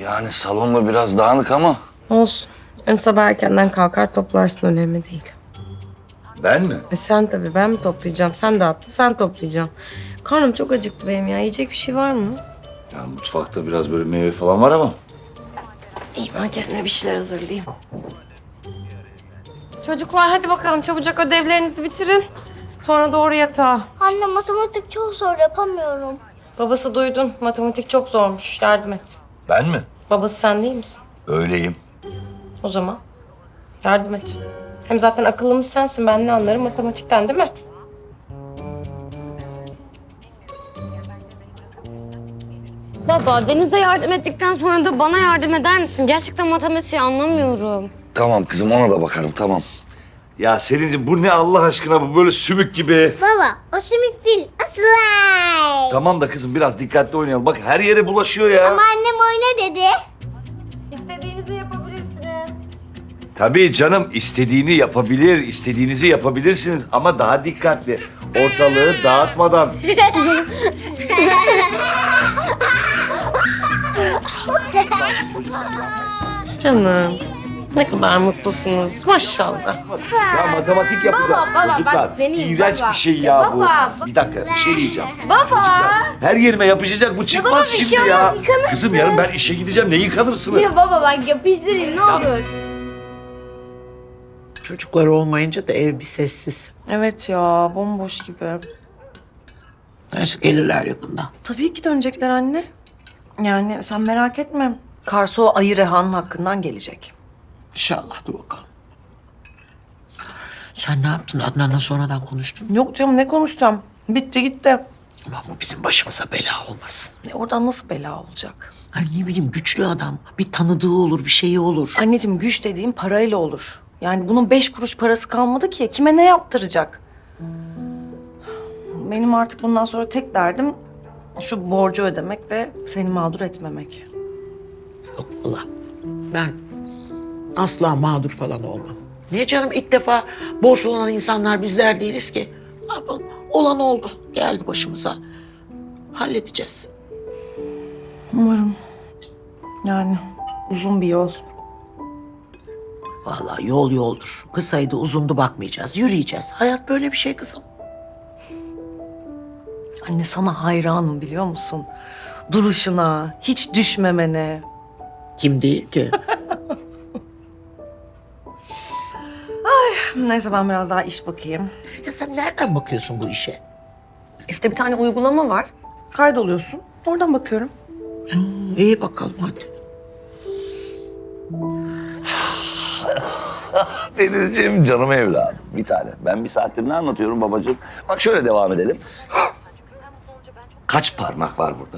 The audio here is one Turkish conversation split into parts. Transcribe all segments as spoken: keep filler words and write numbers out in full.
Yani salonda biraz dağınık ama. Olsun. Ön sabah erkenden kalkar toplarsın, önemli değil. Ben mi? E sen tabii, ben mi toplayacağım? Sen dağıttın, sen toplayacaksın. Karnım çok acıktı benim ya. Yiyecek bir şey var mı? Ya mutfakta biraz böyle meyve falan var ama. İyi, ben kendime bir şeyler hazırlayayım. Çocuklar hadi bakalım çabucak ödevlerinizi bitirin. Sonra doğru yatağa. Anne matematik çok zor yapamıyorum. Babası duydun. Matematik çok zormuş. Yardım et. Ben mi? Babası sen değil misin? Öyleyim. O zaman yardım et. Hem zaten akıllımız sensin. Ben ne anlarım matematikten, değil mi? Baba, Deniz'e yardım ettikten sonra da bana yardım eder misin? Gerçekten matematiği anlamıyorum. Tamam kızım, ona da bakarım, tamam. Ya Selin'ciğim bu ne Allah aşkına, bu böyle sümük gibi. Baba o sümük değil o slime. Tamam da kızım biraz dikkatli oynayalım. Bak her yere bulaşıyor ya. Ama annem oyna dedi. İstediğinizi yapabilirsiniz. Tabii canım, istediğini yapabilir, istediğinizi yapabilirsiniz ama daha dikkatli. Ortalığı dağıtmadan. Canım. Ne kadar mutlusunuz. Maşallah. Ya matematik yapacağız Baba, baba, çocuklar. bak benim, İğrenç baba. bir şey ya, Ya bu. baba. Bir dakika bir şey diyeceğim. Baba. Çocuklar, her yerime yapışacak, bu çıkmaz baba, bir şey şimdi ya. olmaz, yıkanırsın. Kızım yarın ben işe gideceğim, ne yıkanırsın? Ya baba bak yapıştırayım ne olur. Çocuklar olmayınca da ev bir sessiz. Evet ya, bomboş gibi. Neyse gelirler yakında. Tabii ki dönecekler anne. Yani sen merak etme. Karsu o ayı Reha'nın hakkından gelecek. İnşallah dur bakalım. Sen ne yaptın? Adnan'la sonradan konuştun mu? Yok canım ne konuşacağım? Bitti gitti. Ulan bu bizim başımıza bela olmasın. E, oradan nasıl bela olacak? Hani ne bileyim güçlü adam. Bir tanıdığı olur, bir şeyi olur. Anneciğim güç dediğim parayla olur. Yani bunun beş kuruş parası kalmadı ki. Kime ne yaptıracak? Benim artık bundan sonra tek derdim şu borcu ödemek ve seni mağdur etmemek. Yok Allah. Ben asla mağdur falan olmam. Niye canım? İlk defa borçlu olan insanlar bizler değiliz ki. Ne yapalım? Olan oldu. Geldi başımıza. Halledeceğiz. Umarım. Yani uzun bir yol. Vallahi yol yoldur. Kısaydı uzundu bakmayacağız. Yürüyeceğiz. Hayat böyle bir şey kızım. Anne sana hayranım biliyor musun? Duruşuna, hiç düşmemene. Kim değil ki? Neyse ben biraz daha iş bakayım. Ya sen nereden bakıyorsun bu işe? İşte bir tane uygulama var. Kaydoluyorsun. Oradan bakıyorum. İyi bakalım hadi. Denizciğim, canım evladım, bir tane. Ben bir saattir ne anlatıyorum babacığım? Bak şöyle devam edelim. Kaç parmak var burada?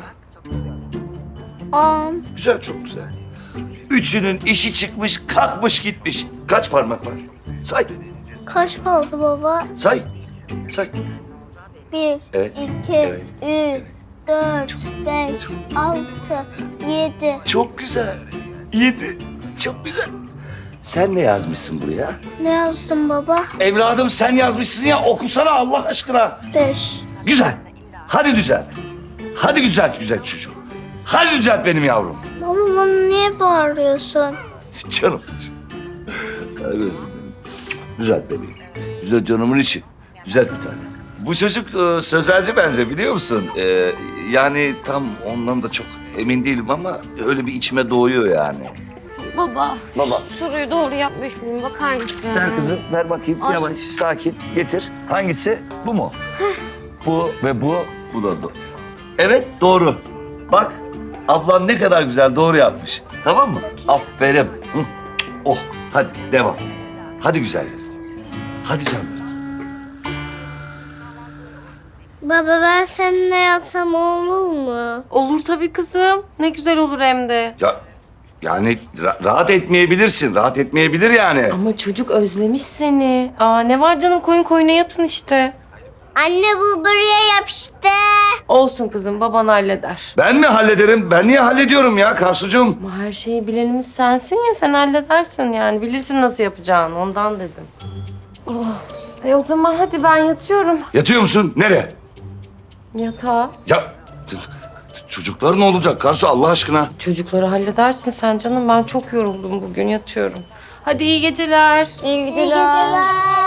On. Güzel, çok güzel. Üçünün işi çıkmış, kalkmış gitmiş. Kaç parmak var? Say, Kaç kaldı baba? say, say. Bir, Evet, iki, evet, üç, dört, beş, altı, yedi. Çok güzel. Yedi. Çok güzel. Sen ne yazmışsın buraya? Ne yazdın baba? Evladım sen yazmışsın ya, okusana Allah aşkına. Beş. Güzel. Hadi düzelt. Hadi düzelt güzel çocuğum. Hadi düzelt benim yavrum. Baba bana niye bağırıyorsun? Canım. Evet. Düzelt bebeğim. Düzelt canımın içi. Düzelt bir tane. Bu çocuk e, sözelci bence, biliyor musun? E, yani tam ondan da çok emin değilim ama öyle bir içime doğuyor yani. Baba, Baba. soruyu doğru yapmış mıyım? Bakar mısın? Ver kızım, ver bakayım. Ay. Yavaş, sakin. Getir. Hangisi? Bu mu? Bu ve bu. Bu da doğru. Evet, doğru. Bak, ablan ne kadar güzel doğru yapmış. Tamam mı? Aferin. Hı. Oh, hadi devam. Hadi güzeller. Hadi canım. Baba ben seninle yatsam olur mu? Olur tabii kızım. Ne güzel olur hem de. Ya yani ra- rahat etmeyebilirsin. Rahat etmeyebilir yani. Ama çocuk özlemiş seni. Aa ne var canım, koyun koyuna yatın işte. Anne bu buraya yapıştı. Olsun kızım, baban halleder. Ben mi hallederim? Ben niye hallediyorum ya Karsucuğum? Ama her şeyi bilenimiz sensin ya, sen halledersin yani. Bilirsin nasıl yapacağını, ondan dedim. Oh. E o zaman hadi ben yatıyorum. Yatıyor musun? Nereye? Yatağa. Ya çocuklar ne olacak Karsu Allah aşkına? Çocukları halledersin sen canım. Ben çok yoruldum bugün yatıyorum. Hadi iyi geceler. İyi İyi geceler. geceler.